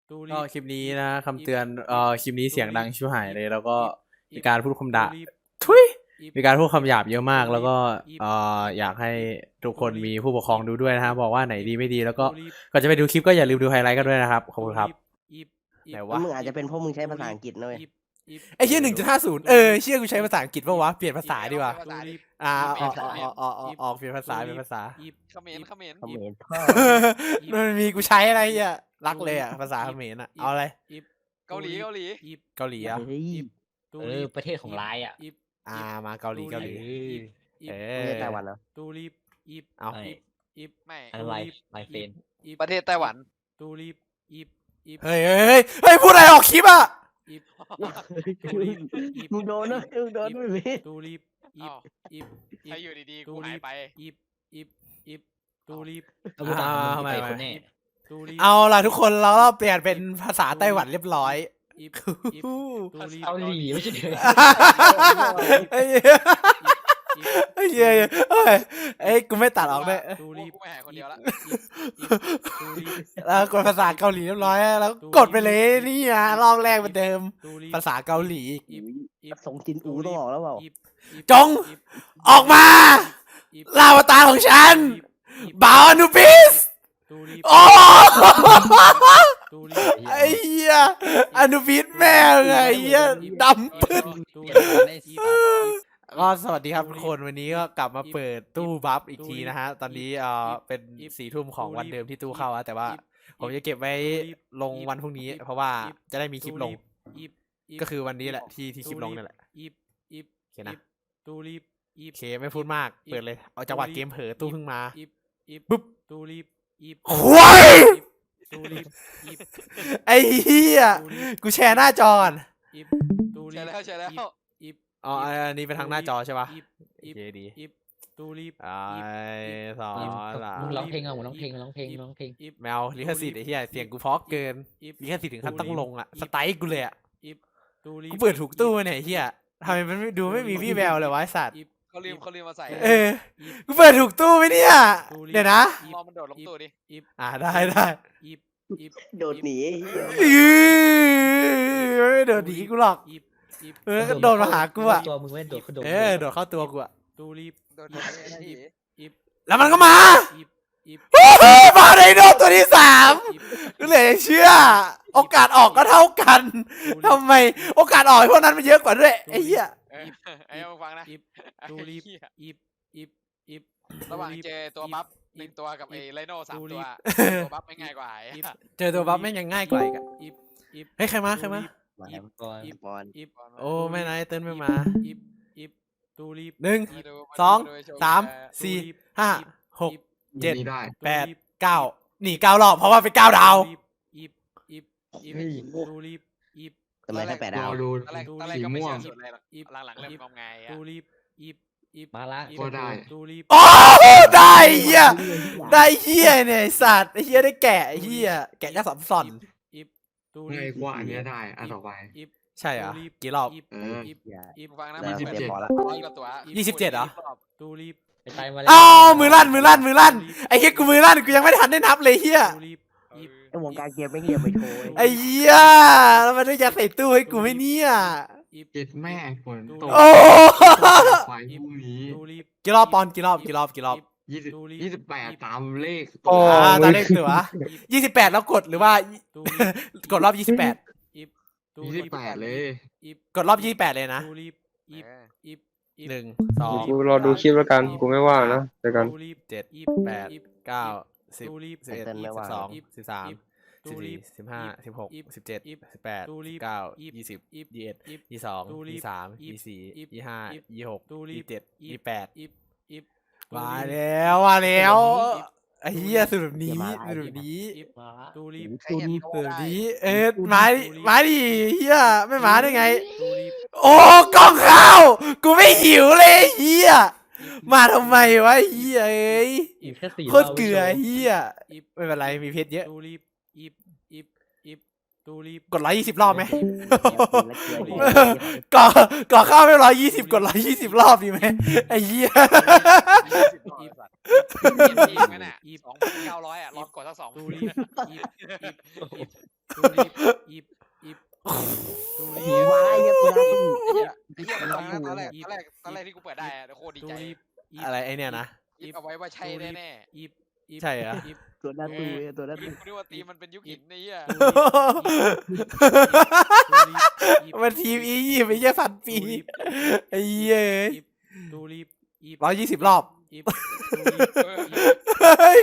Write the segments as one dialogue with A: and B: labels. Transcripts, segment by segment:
A: ก็คลิปนี้นะคำเตือนคลิปนี้เสียงดังชิบหายเลยแล้วก็มีการพูดคำด่าทุยมีการพูดคำหยาบเยอะมากแล้วก็อยากให้ทุกคนมีผู้ปกครองดูด้วยนะฮะบอกว่าไหนดีไม่ดีแล้วก็ก่อนจะไปดูคลิปก็อย่าลืมดูไฮไลท์กันด้วยนะครับขอบคุณครับไหนวะ
B: มึงอาจจะเป็นเพราะมึงใช้ภาษาอังกฤษนะเว้ย
A: ไอ้เชี่ย1.50เชี่ยกูใช้ภาษาอังกฤษปะวะเปลี่ยนภาษาดีกว่าออกเปลี่ยนภาษา
C: เขมร
B: คอมเมนต์พ่อ
A: มันมีกูใช้อะไรอ่ะรักเลยอ่ะภาษาเขมรอ่ะเอาอะไร
C: เกาหลี
A: เกาหลีอ่ะ
B: เฮ้ย
D: ประเทศของร้ายอ่ะ
A: มาเกาหลี
B: ไม่ใช่ไต้หวันเหรอ
A: เอา
C: ไม่
D: อะไรลายเฟน
C: ประเทศไต้หวัน
A: เฮ้ยพูดอะไรออกคลิปอ่ะ
B: มึงโดนนะมึงโดนไม่มี
C: ถ้าอยู่ดีๆกูหายไป
D: เอาพูดตามมึงไปคนแน่
A: เอาล่ะทุกคนเราเปลี่ยนเป็นภาษาไต้หวันเรียบร้อย
D: เกาหลีไม่ใช่เดือ
A: ไอ้เหี้ยไอ้กูไม่ตัดออกด้วย
C: กูไม่หายคนเดียวละ
A: แล้วกดภาษาเกาหลีเรียบร้อยแล้วกดไปเลยนี่นะรอบแรกเหมือนเดิมภาษาเกาหลี
B: ส่งจินอูต้องออกแล้วเปล่า
A: จงออกมาลาวตารของฉันบ่าวอนุบิสโอ้ไอ้เหี้ยอนุบิสแม่งไอ้เหี้ยดำปึ๊ดก็สวัสดีครับทุกคนวันนี้ก็กลับมาเปิดตู้บัฟอีกทีนะฮะตอนนี้เป็น4 ทุ่มของวันเดิมที่ตู้เข้าแต่ว่าผมจะเก็บไว้ลงวันพรุ่งนี้เพราะว่าจะได้มีคลิปลงก็คือวันนี้แหละที่คลิปลงนี่แหละโอเคนะโอเคไม่พูดมากเปิดเลยเอาจังหวะเกมเผลอตู้เพิ่งมาปุ๊บควายไอ้เหี้ยกูแชร์หน้าจอก่อน
C: ใช่แล้ว
A: อ๋ออันนี้เป็นทางหน้าจอใช่ปะโอเคดีไอ้สองสาม
D: มึงร้องเพลงเอามึงร้องเพลง
A: แมวลิขสิทธิ์ไอ้เหี้ยเสียงกูเพราะเกินลิขสิทธิ์ถึงขั้นต้องลงอ่ะสไตล์กูเลยอ่ะกูเปิดถูกตู้เนี่ยไอ้เหี้ยทำไมมันดูไม่มีวี่แววเลยวะไอ้สัตว์
C: เขาลืมมาใส่
A: กูเปิดถูกตู้ไหมเนี่ยเดี๋ยวนะ
C: รอมันโดดลงตู้ดิ
A: ได้
B: โดดหนี
A: ไม่โดดหนีกูหรอกก็โดนมาหากูอ่ะ
D: ตัวมึงไม่โดดเขาโดด
A: โดดเข้าตัวกูอ่ะ
C: โดดหนี
A: แล้วมันก็มามาในโดนตัวที่3ก็เลยเชื่อโอกาสออกก็เท่ากันทำไมโอกาสออกพวกนั้นมันเยอะกว่าด้วยไอ้เหี้ย
C: ไอ้มึงฟังนะระหว่างเจอตัวบัฟ1 ตัวกับไอ้ไลโน่3 ตัวตัวบัฟไม่ง่ายกว่า
A: เจอตัวบัฟแม่งยังง่ายกว่าอีกอะเฮ้ยใครมา
D: ก่อน
B: บอล
A: โอ้แม่นายเติ้ลไม่มา1 2 3 4 5 6 7 8 9นี่9 รอบเพราะว่าเป็น9 ดาว
B: ทำไมถ้า8 ดาว
C: ตอนแรกก็ไม่เชื่อสุดเลยหรอกหลังๆเริ่มงมงายอ่ะ
D: มาละ
E: ก็ได้
A: โอ้ได้เหี้ยได้เหี้ยเนี่ยไอ้สัตว์ไอ้เหี้ยได้แกะไอ้เหี้ยแกะยักษ์สัมสอน
E: ง่ายกว่าอันเนี้ยได้อันต่อไป
A: ใช่เหรอกี่รอบ
C: มึงฟังนะ
B: แล้ว
C: มัน
B: เตรียมบอลละ
C: 100 กว่าตัว
A: 27เหรอ
D: ไปตายมาแล้ว
A: อ้าวมือลั่นไอ้เหี้ยกูมือลั่นกูยังไม่ทันได้นับเลยเหี้ย
B: ไอ้วงการเกมไม่เงียบไปโชว์
A: ไอ้เหี้ยแล้วมันได้ยัดใส่ตู้ให้กูไหมเนี่ย
E: เจ็ดแม่ฝนตก
A: โอ้
E: ไฟพรุ่งนี้
A: กี่รอบปอนกี่รอบ
E: 28ตามเลข
A: ตอนเลขตัว28แล้วกดหรือว่า กดรอบ28
E: 28เลย
A: กดรอบ28เลยนะ1 2
F: กูรอดูคลิปแล้วกัน กูไม่ว่างนะเดี๋ยวกัน
A: 7 8 9 10 11 12 13 14 15 16 17 18 19 20 21 22 23 24 25 26 27 28มาแล้วไอ้เหี้ยสุดแบบนี้
D: มาละ
A: มาดิเหี้ยไม่มาได้ไง โอ้กล้องข้าวกูไม่หิวเลยเหี้ยมาทำไมวะเหี้ยเอ้ย
D: อีกแค่4
A: โคตรเกลือเหี้ยไม่เป็นไรมีเพชรเยอะกด120 รอบไหมก่อข้าวไม่120กด120 รอบดีไหมไอ้เหี้ย
C: 2,900 อ่ะลองกดสัก2 ตูรีบอีบอีบตูรี
B: หูไว้เหี้ยตัวนั้น
C: ไอ้เหี้ยตอนแรกที่กูเปิดได้อะโคตรดีใจ
A: อะไรไอเนี่ยนะ
C: คิดเอาไว้ว่าใช่แน่ๆอีบ
A: ใช่เหรอ
B: ตัวนั้นตูเว้ยตัวนั้น
C: กู
B: ตู
C: นึกว่าตีมันเป็นยุคหินไอ้เหี้ย
A: มันทีมอียิปต์ไอ้เหี้ยพันปีไอ้เหี้ย
D: ตูรีบ
A: 120 รอบ
C: เออ
A: เฮ้ย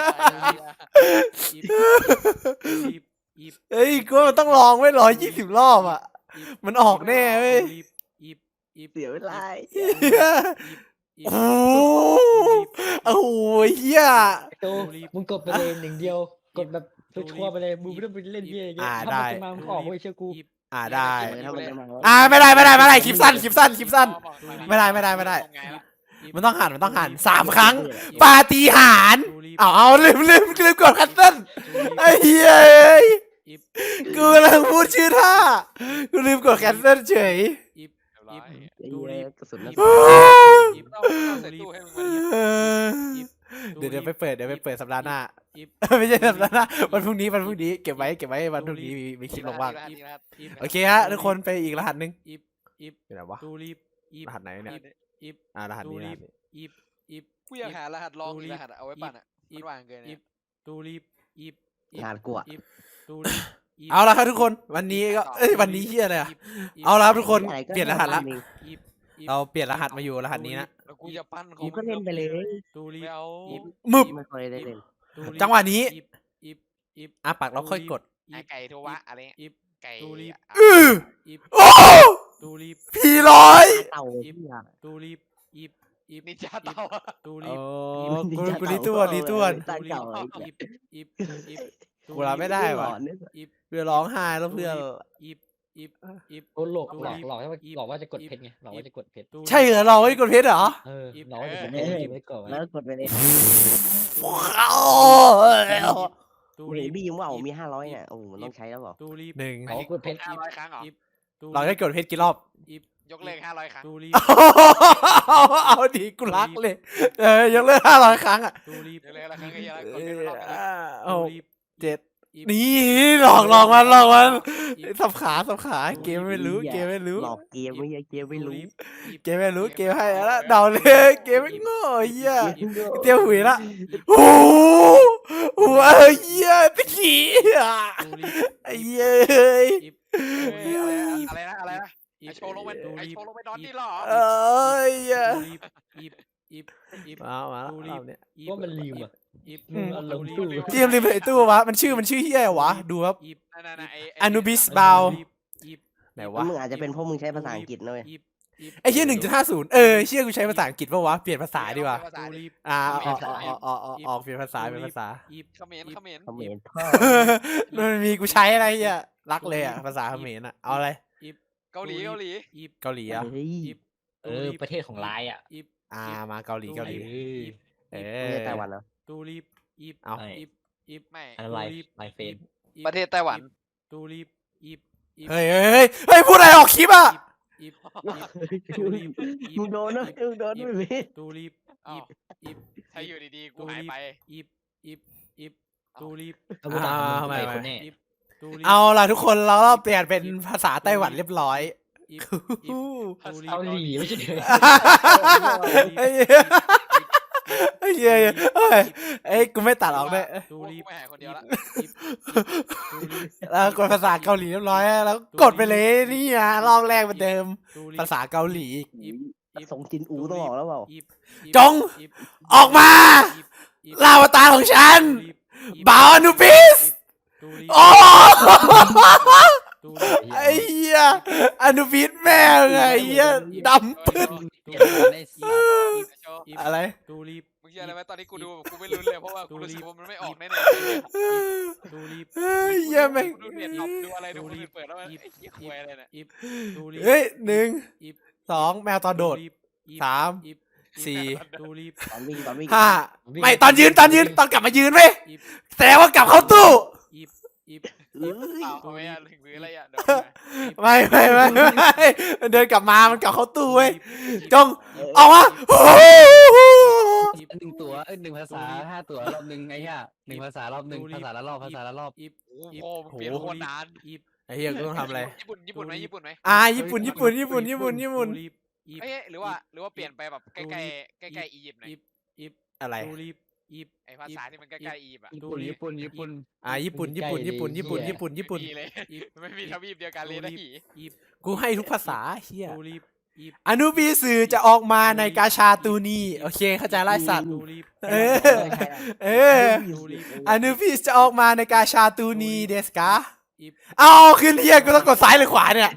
A: เฮ้ยกูว่ามันต้องลองไว้120 รอบอ่ะ มันออกแน่เว้ย
B: เสียเวลา
A: โอ้โอ้โหเหี้ย
D: โตมึงกดไปเลยหนึ่งเดียวกดแบบชัวร์ไปเลยมึงไม่ต้องไปเล่นเหี้ยอย่างเงี้ยถ้ามันจะมามึงออกไม่เชื่อกู
A: ได้
B: ถ้ามันจะมา
A: ไม่ได้คลิปสั้นไม่ได้ มันต้องหัน3 ครั้ง ปาฏิหาริย์เอาลืมกดคันเซิลไอ้เหี้ยกูกำลังพูดชื่อท่ากูลืมกดแคนเซิลเฉย
B: ไอ้เหี้ยกระสุนนัด
C: ใส่ตู้ให้มึง
A: เดี๋ยวไปเปิดสัปดาห์หน้าไม่ใช่สัปดาห์หน้าวันพรุ่งนี้เก็บไว้วันพรุ่งนี้มีคลิปลงบ้างโอเคฮะทุกคนไปอีกรหัสหนึ่งเป็นไรวะรหัสไหนเนี่ยรหัสนี้
C: กูอยากหารหัสลองรหัสเอาไว้ปั่นอ่ะมันวางเกินเนี่ย
B: งานกูอะ
A: เอาละครับทุกคนวันนี้ก็วันนี้เฮียอะไรอะเอาละครับทุกคนเปลี่ยนรหัสละเราเปลี่ยนรหัสมาอยู่รหัสนี้นะ
C: แล้วกูจะปั้น
B: กูก็เล่นไปเลย
C: ไม่เอา
A: มึบ
B: ไม่ค่อยได้เล่น
A: จังหวะนี้ปักแล้วค่อยกด
C: ไอไก่โทวะอะไรเงี้ยไก่
A: โอ้พี่ร้อย
B: เต่า
C: นินจาเต่า
A: กูรีตัว
B: ตั้งเก่า
A: กูรับไม่ได้ว่ะเพื่อร้องไห้แล้วเพื่อน
D: โอ้หลอกให้มันหลอกว่าจะกดเพชรไงหลอกว่าจะกดเพชร
A: ใช่เหรอเราไม่กดเพชรเหรอ
D: หลอกว่าจะกดเพชรไว้ก่อน
B: แล้วกดไปเลยเห็นพี่ยิ้มว่ามี500เนี่ยโอ้มันต้องใช้แล้วเปล่า
A: หนึ่ง
D: หลอกกดเพชร
C: 500 ครั้งเหรอ
A: เราได้กดเพชรกี่รอบ
C: ยกเลิก500 ครั้ง
A: เอาดีกูรักเลยยกเลิก500 ครั้งอ่ะ
C: ยกเลิกละครั้งก็เยอะแล้วกดเป็นรอบนึง
A: เอา7นี่หลอกมันสับขาเกมไม่รู้
B: หลอกเกมไม่ใช่เกมไม่รู้
A: เกมให้แล้วเดาเลยเกมไม่โง่เหี้ยเตี้ยหุยละโอ้โหเหี้ยตะกี้ไอ้เหี้ย
C: อะไรนะไอโชว์ลงไปนอนนี่หรอ
A: มาแล้วเนี่ย
D: ว่ามันลืมอ่ะมันลงตู้
A: เกมลืมไอ้ตู้วะมันชื่อเหี้ยวะดูครับ Anubis บาวไหนวะ
B: มึงอาจจะเป็นเพราะมึงใช้ภาษาอังกฤษนะเว้ย
A: ไอ้เหี้ย1.50เชี่ยกูใช้ภาษาอังกฤษปะวะเปลี่ยนภาษาดีกว่าออกเปลี่ยนภาษา
C: เขมร
B: คอมเมนต์พ่อ
A: มันมีกูใช้อะไรอ่ะรักเลยอ่ะภาษาเขมรอ่ะเอาอะไร
C: เกาหลี
A: อ่ะ
D: ประเทศของลายอ่ะ
A: มาเกาหลี
B: ไม่ใช่ไต้หวันเหรอ
A: เอา
C: ไม่
D: อะไรลายเฟน
C: ประเทศไต้หวัน
A: เฮ้ยพูดอะไรออกคลิปอ่ะ
B: มึงโดนนะมึงโดนไม่ผิด
C: ถ้าอยู่ดีๆกูหายไป
A: เอาล่ะทุกคนเราเปลี่ยนเป็นภาษาไต้หวันเรียบร้อย
D: เกาหลีไม่ใช่เดือ
A: ไอ้กูไม่ตัดออกด้วย
C: กูไม่หายคนเดียวละ
A: แล้วกดภาษาเกาหลีเรียบร้อยแล้วกดไปเลยนี่รอบแรกเหมือนเดิมภาษาเกาหลี
B: ส่งจินอูต้องบอกแล้วเปล่า
A: จงออกมาลาวตารของฉันบ่าวอนุบิสโอ้ไอ้เหี้ยอนุบิสแม่ไงเหี้ยดำปึ๊ดอะไร
C: มึงเชื่ออะไรไหมตอนนี้กูดูกูไม่ลุ้นเลยเพราะว่ากูรู้สึกว่ามันไม่ออกแน่ๆ
A: เหี้ยแม่ง
C: ดูเน็ตดูอะไรดูคนอื่นเปิดแล้วมันไอ้เหี้ยควยอะไรเนี่ย
A: เฮ้ย1 2แมวตอนโดด3 4
B: ตอนวิ่ง
A: 5ไม่ตอนยืนตอนกลับมายืนเว้ยแต่ว่ากลับเข้าตู้
C: เอาไว้อะหรืออะไรอ่ะเดี๋ยว
A: ไม่มันเดินกลับมามันกลับเข้าตู้เว้ยจงออกมา
G: หนึ่งตัวหนึ่งภาษา5 ตัวรอบหนึ่งไอ้เหี้ย1 ภาษารอบหนึ่งภาษาละรอบภาษาละรอบ
C: โอ้โหมึงเปลี่ยนโคตรนาน
A: ไอ้เหี้ยกูต้องทำอะไร
C: ญี่ปุ่นไหมญี่ปุ่นไหม
A: ญี่ปุ่นญี่ปุ่นญี่ปุ่นญี่ปุ่นญี่ปุ่น
C: เอ้ยหรือว่าเปลี่ยนไปแบบใกล้ใกล้อียิปต์หน่อย
A: อะไร
C: ไอภาษาที่มันใกล้ๆอียิปต์อะ
G: ญี่ปุ่น
A: ญี่ปุ่นญี่ปุ่นญี่ปุ่นญี่ปุ่นญี่ปุ่นญี่ปุ่นญี่ปุ่น
C: ไม่มีเลยไม่มีทวีปเดียวกันเลยนะหี
A: กูให้ทุกภาษาเฮียอนุบิสือจะออกมาในกาชาตูนีโอเคเข้าใจไล่สัตว์เออเอออนุบิจะออกมาในกาชาตูนีเดสกาเอาขึ้นเฮียกูต้องกดซ้ายหรือขวาเนี่ย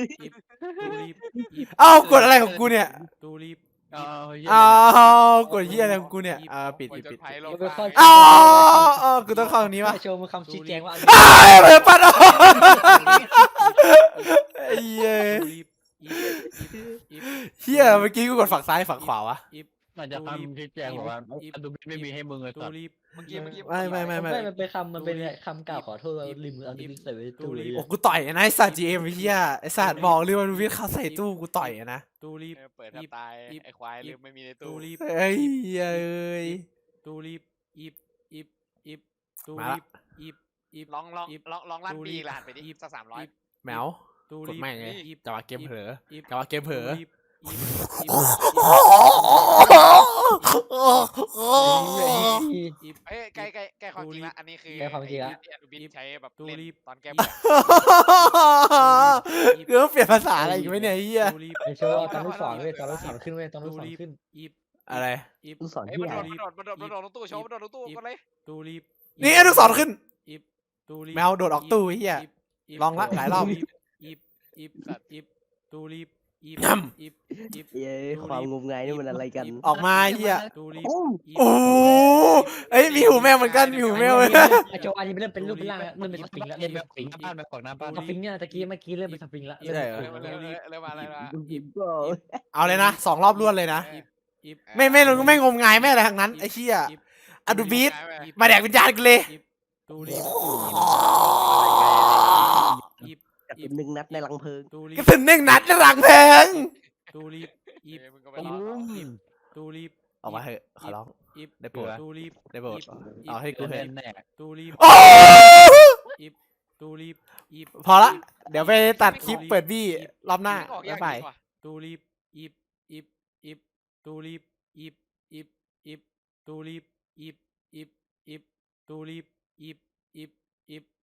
A: เอากดอะไรของกูเนี่ยเอากดเฮียอะไรของกูเนี่ยปิด
C: จนภัยโลก
D: มันเป็นข้อ
A: เอากูต้องเข้าตรงนี้วะ
D: โชว์มึงคำชี้แจงว่า
A: เปิดปัดไอ้เหี้ยเฮียเมื่อกี้กูกดฝั่งซ้ายฝั่งขวาวะ
G: มันจะคำชี้แจงบอกว่าอันดูไม่มีให้มึงเลยสัตว์
C: เมื่อกี้
A: ไม่
D: มันเป็นมันเป็นคำกล่าวขอโทษว่าลืมเอาดิบิใส่ไว้ตู้เลย
A: โอ้กูต่อยนะไอ้สัตว์จีเอ็มเฮียไอ้สัตว์บอกเลยว่าวิทย์เขาใส่ตู้กูต่อยนะ
C: เปิดแทบตายไอควายลืมไม่มีในตู้
A: เอ้ยเอ้ยมาละ
C: ลองลั่นปีหลานไปดิสัก300
A: แมวกดแม่งไงจังหวะเกมเผลอจังหวะเกมเผลอ
C: เอ้ยใกล้ความจริงละอันนี้คือบินใช้แบบเล่นตอนแก้
A: เรื่องเปลี่ยนภาษาอะไรอีกไหมเนี่ยเฮีย
D: ไอโชว์ตอนลูกศรเว้ยตอนลูกศรขึ้นเว้ยตอนลูกศรขึ้น
A: อะไร
B: ลูกศร
C: เอ้ย
B: ที่
C: มัน
B: ไหน
C: โดดลงตู้โชว์มันโดดลงตู้ก็เลย
A: นี่ไอ้ลูกศรขึ้นแมวโดดออกตู้เฮียลองละหลายรอบ
B: เย้ความงมงายนี่มันอะไรกัน
A: ออกมาเฮีย
B: โอ้
A: โอ้เอ้ยมีหูแมวเหมือนกันมีหูแมวเลย
D: ไอโชว์อันนี้เริ่มเป็นรูปเป็นร่างแล้วเริ่มเป็นสปริงแล้ว
G: เล่
D: เริ่
G: น
D: ม
G: แบ
D: เป็น
G: บ
D: สปริง
G: บ้านแบบของหน้าบ้าน
D: สปริงเนี่ยเมื่อกี้เริ่มเป็นสปริงแล้ว
A: ใช่เหรอ
C: เริ่มมาอะไรละ
B: ก็
A: เอาเลยนะ2 รอบรวดเลยนะไม่งมงายไม่อะไรทั้งนั้นไอ้เชี่ยอะดูบีทมาแดกวิญญาณกันเลย
B: จากเป็น1 นัดในรังเพลิง
A: กระสุน1 นัดในหลังแพงออกมาเถอะขอร้องได้โปรดได้โปรดเอาให้กูเถอะ
G: แน่
A: โอ้พอละเดี๋ยวไปตัดคลิปเปิดบี้รอบหน้าบ๊ายบาย
H: ตูรีบ